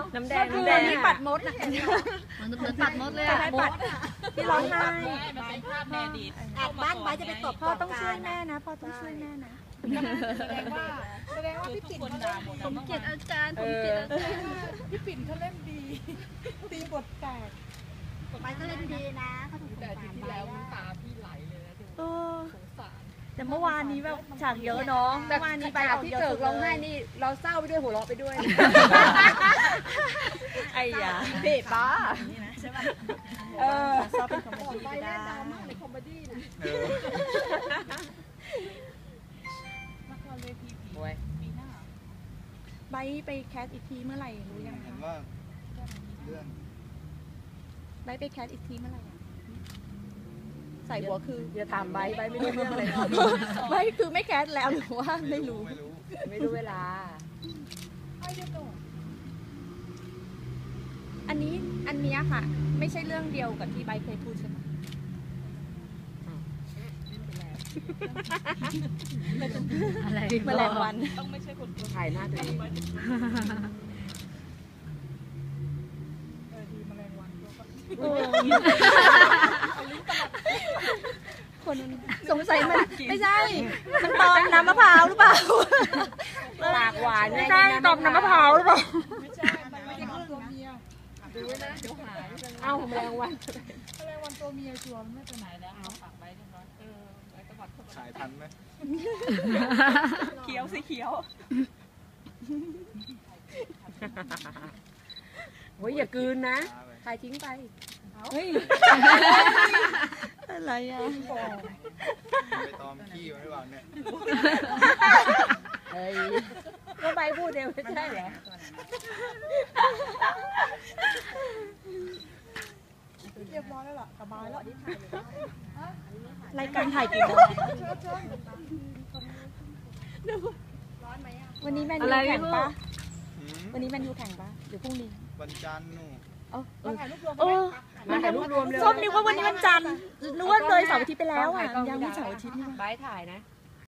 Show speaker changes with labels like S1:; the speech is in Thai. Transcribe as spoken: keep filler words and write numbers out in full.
S1: น้ำแดงน้ำแดงนี่ปัดมดนะ
S2: มันเหมือนปัดมดเลยอะมด
S1: ที่ร้องไห้
S3: มันเป็นภาพแม่ดี
S4: แอบบ้านไว้จะไปตบ
S1: พ่อต้องช่วยแม่นะพ่อต้องช่วยแม่นะ
S4: แสดงว่าแสดงว่าพี่ปิ่นเขาเล่นดี
S2: ผมเกลียดอาจารย์ผมเกลียดอาจารย์
S4: พี่ปิ่นเขาเล่นดีตีบทแตกไปก็เล่นดีนะเขาถูกแต่ทีที่แล้วตาพี่ไหลเลยนะดูสงสาร
S1: แต่เมื่อวานนี้แบบฉากเยอะเนาะเมื่อวานนี้ไปเอาที่เกิดร้องไห้นี่เราเศร้าไปด้วยหัวเราะไปด้วยไอ้ยาเด็ดป้าใช่ป่ะเออชอบเป็นคอมเมดี้ไปเล่นดราม่าในคอมเมดี้นะ
S3: ละครเวทีผีปีหน้า
S1: ใบไปแคสอีกทีเมื่อไหร่รู้ยังคะ
S5: ว่าเรื่อง
S1: ใบไปแคสอีกทีเมื่อไหร่ใส่หัวคืออย่าถามใบใบไม่รู้เรื่องเลยใบคือไม่แคสแล้วหรือว่าไม่รู้ไม่รู้เวลาอันนี้อันนี้ค่ะไม่ใช่เรื่องเดียวกับที่ใบเคยพูดใช่ไหม
S2: อะไร
S1: แมลงวัน
S3: ต้องไม่ใช่คน
S1: ถ่ายหน้าตัวเอง
S4: เออดีแมลงวัน
S1: คนสงสัยมันไม่ใช่มันตอมน้ำมะพร้าวหรือเปล่าปากหวานไม่ใช่ตอมน้ำมะพร้าวหรือเปล่า
S4: ไม่ใช่มันไม่ใช่ตัวเมีย
S3: ดูไว้นะเดี๋ยวหาย
S1: เอ้าแมลงวัน
S4: แมลงวันตัวเมียชัวร์ไม่ไปไหนแล้ว
S3: เอาปากไว้เรียบร้อยเออไว้ตวัดเข้าไป
S5: ถ่ายทันไหม
S3: เขียวสิเขียว
S1: โอ้ยอย่ากืนนะถ่ายทิ้งไปเฮ้ยอะไรอ่ะ
S5: ไปตอมขี้ไว้บ้างเนี่ย
S1: เฮ้ยก็ใบพูดเดียวไม่ใช่เหรอ
S4: เรียบร้อยแล้วล่ะสบายแล้ว
S1: รายการถ่ายกี่โมงวันนี้แมนยูแข่งปะวันนี้แมนยูแข่งปะหรือพรุ่งนี้
S5: วันจันทร์นู่น
S4: มาถ่ายรูปรวม
S1: เออมาถ่ายรูปรวมเลยส้มนึกว่าวันนี้วันจันทร์นึกว่าเลยเสาร์อาทิตย์ไปแล้วอ่ะยังไม่เสาร์อาทิตย์นี่
S3: ใบถ่ายนะ